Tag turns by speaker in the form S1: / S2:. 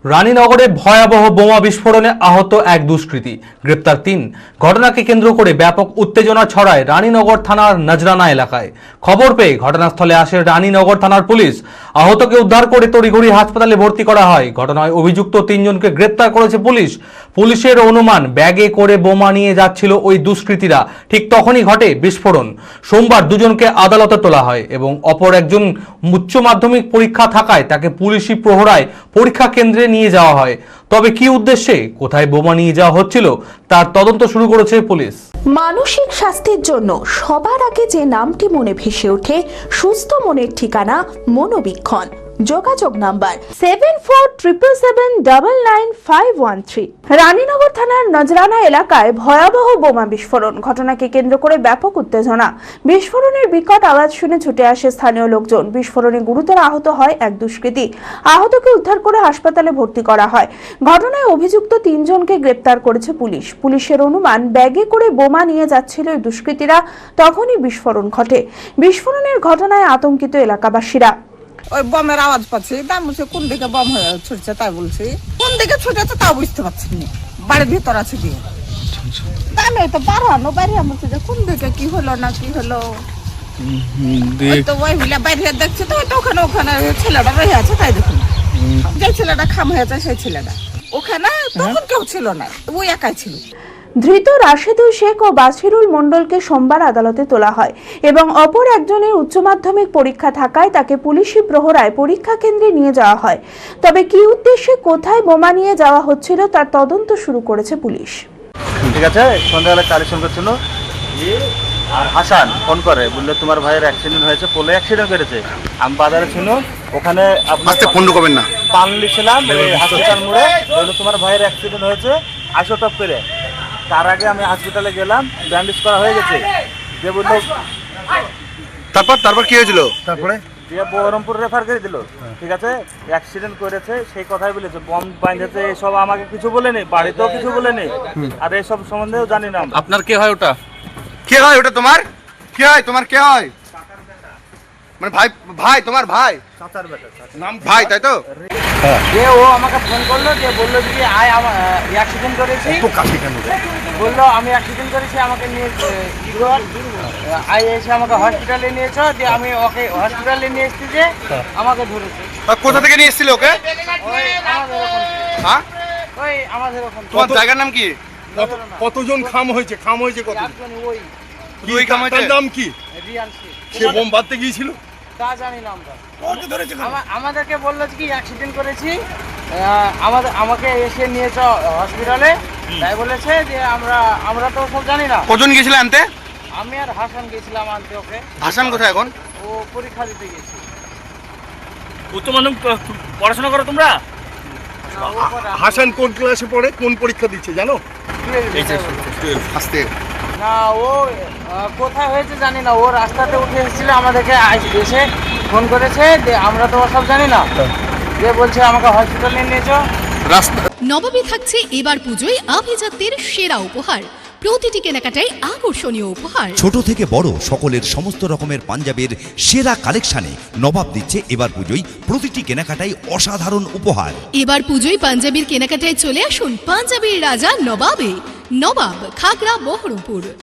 S1: রানীনগরে ভয়াবহ বোমা বিস্ফোরণে আহত এক দুষ্কৃতী, গ্রেপ্তার ৩। ঘটনাকে কেন্দ্র করে ব্যাপক উত্তেজনা ছড়ায় রানীনগর থানার নজরানা এলাকায়। খবর পেয়ে ঘটনাস্থলে আসে রানীনগর থানার পুলিশ। আহতকে উদ্ধার করে তড়িঘড়ি হাসপাতালে ভর্তি করা হয়। ঘটনায় অভিযুক্ত ৩ জনকে গ্রেপ্তার করেছে পুলিশ। পুলিশের অনুমান, ব্যাগে করে বোমা নিয়ে যাচ্ছিল ওই দুষ্কৃতীরা। ঠিক তখনই ঘটে বিস্ফোরণ। সোমবার দুজনকে আদালতে তোলা হয় এবং অপর একজন উচ্চ মাধ্যমিক পরীক্ষা থাকায় তাকে পুলিশি প্রহরায় পরীক্ষা কেন্দ্রে নিয়ে যাওয়া হয়। তবে কি উদ্দেশ্যে, কোথায় বোমা নিয়ে যাওয়া হচ্ছিল তার তদন্ত শুরু করেছে পুলিশ।
S2: মানসিক স্বাস্থ্যের জন্য সবার আগে যে নামটি মনে ভেসে ওঠে, সুস্থ মনের ঠিকানা মনোবীক্ষণ। যোগাযোগ নাম্বার 7477799513। রানীনগর থানার নজরানা এলাকায় ভয়াবহ বোমা বিস্ফোরণ। ঘটনাকে কেন্দ্র করে ব্যাপক উত্তেজনা। বিস্ফোরণের বিকট আওয়াজ শুনে ছুটে আসে স্থানীয় লোকজন। বিস্ফোরণে গুরুতর আহত হয় এক দুষ্কৃতী। আহতকে উদ্ধার করে হাসপাতালে ভর্তি করা হয়। ঘটনায় অভিযুক্ত ৩ জনকে গ্রেপ্তার করেছে পুলিশ। পুলিশের অনুমান, ব্যাগে করে বোমা নিয়ে যাচ্ছিল এই দুষ্কৃতীরা। তখনই বিস্ফোরণ ঘটে। বিস্ফোরণের ঘটনায় আতঙ্কিত এলাকাবাসীরা।
S3: ওই বমের আওয়াজ পাচ্ছি, তাই বলছি কোন দিকে বম ছুটছে, তাই বলছি কোন দিকে ছুটেছে তাও বুঝতে পারছি না। বাড়ির ভিতর আছে দিয়ে তাই আমি তো বাড়ানো বাইরে বলছি যে কোন দিকে কি হলো না কি হলো। তো ওই মিলে বাইরে দেখছি তো ওখানে ওখানে ছেলেটা রয়ে আছে, তাই দেখুন যে ছেলেটা খাম হয়েছে সেই ছেলেটা ওখানে তখন কেউ ছিল না, ওই একাই ছিল।
S2: ধৃত রাশেদুল শেখ ও বাছিরুল মণ্ডলকে সোমবার আদালতে তোলা হয় এবং অপর একজনের উচ্চ মাধ্যমিক পরীক্ষা থাকায় তাকে পুলিশি প্রহরায় পরীক্ষা কেন্দ্রে নিয়ে যাওয়া হয়। তবে কি উদ্দেশ্যে, কোথায় বোমা নিয়ে যাওয়া হচ্ছিল তার তদন্ত শুরু করেছে পুলিশ।
S4: ঠিক আছে, সন্ধ্যাবেলা কালেকশন করছিল আর হাসান ফোন করে, বললো তোমার ভাইয়ের অ্যাক্সিডেন্ট হয়েছে, পোলে অ্যাক্সিডেন্ট করেছে। আমি বাজারে ছিল, ওখানে
S5: ফোন করবেন না,
S4: পান লিখছিলাম হসপিটাল মোড়ে, বললো তোমার ভাইয়ের অ্যাক্সিডেন্ট হয়েছে, আসো টপ করে। তার আগে আমি হসপিটালে গেলাম, ব্যান্ডেজ করা হয়ে গেছে। যে বললো
S5: তারপর কি হয়েছিল? তারপরে
S4: দিয়ে বহরমপুর রেফার করে দিল। ঠিক আছে, অ্যাক্সিডেন্ট করেছে সেই কথাই বলেছে, বম বাঁধেছে, এসব আমাকে কিছু বলেনি, বাড়িতেও কিছু বলেনি, আর এসব সম্বন্ধেও জানি না।
S1: আপনার কে হয় ওটা?
S5: কে হয় ওটা? তোমার কে হয়? তোমার কে হয়? মানে ভাই তোমার ভাই?
S4: চাচার বেটা
S5: নাম ভাই, তাই তো?
S4: যে ও আমাকে ফোন করলো, যে বললো যে আয় আমার অ্যাক্সিডেন্ট করেছি, বললো আমি অ্যাক্সিডেন্ট করেছি, আমাকে নিয়ে আয় এসে আমাকে হসপিটালে নিয়েছ। দিয়ে আমি ওকে হসপিটালে নিয়ে এসেছি, যে আমাকে ধরেছে।
S5: কোথা থেকে নিয়ে এসেছিল ওকে?
S4: ওই আমাদের ওখান থেকে।
S5: হ্যাঁ,
S4: ওই আমাদের ওখান থেকে।
S5: তোমার জায়গার নাম কি?
S6: কতজন খাম হয়েছে? কত?
S4: ওই
S5: দুই খাম হয়েছে।
S6: নাম কি?
S4: রিয়ান শেখ।
S6: সে বোম বাঁধতে গিয়েছিল?
S4: তা জানি না আমরা। আমাদেরকে বললো কি অ্যাক্সিডেন্ট করেছি, আমাকে এসে নিয়েছ হসপিটালে, তাই বলেছে। যে আমরা তো সব জানি না।
S5: কজন গিয়েছিল আনতে?
S4: আমি আর হাসান গেছিলাম আনতে ওকে।
S5: হাসান কোথায় এখন?
S4: ও পরীক্ষা দিতে গেছে।
S1: উচ্চ মাধ্যমিক পড়াশোনা করো তোমরা?
S6: হাসান কোন ক্লাসে পড়ে, কোন পরীক্ষা দিচ্ছে জানো?
S5: আস্তে
S4: না, ও কোথায় হয়েছে জানি না। ও রাস্তাতে উঠে এসেছিল, আমাদেরকে এসে ফোন করেছে, যে আমরা তো সব জানি না। যে বলছে আমাকে হসপিটালে নিয়েছো।
S7: নবাবে থাকছে এবার পুজোয় আভিজাত্যের সেরা উপহার। প্রতিটি কেনাকাটায় আকর্ষণীয় উপহার।
S8: ছোট থেকে বড় সকলের সমস্ত রকমের পাঞ্জাবের সেরা কালেকশনে নবাব দিচ্ছে এবার পুজোয় প্রতিটি কেনাকাটায় অসাধারণ উপহার।
S7: এবার পুজোয় পাঞ্জাবির কেনাকাটায় চলে আসুন পাঞ্জাবির রাজা নবাবে। নবাব, খাগড়া, বহরমপুর।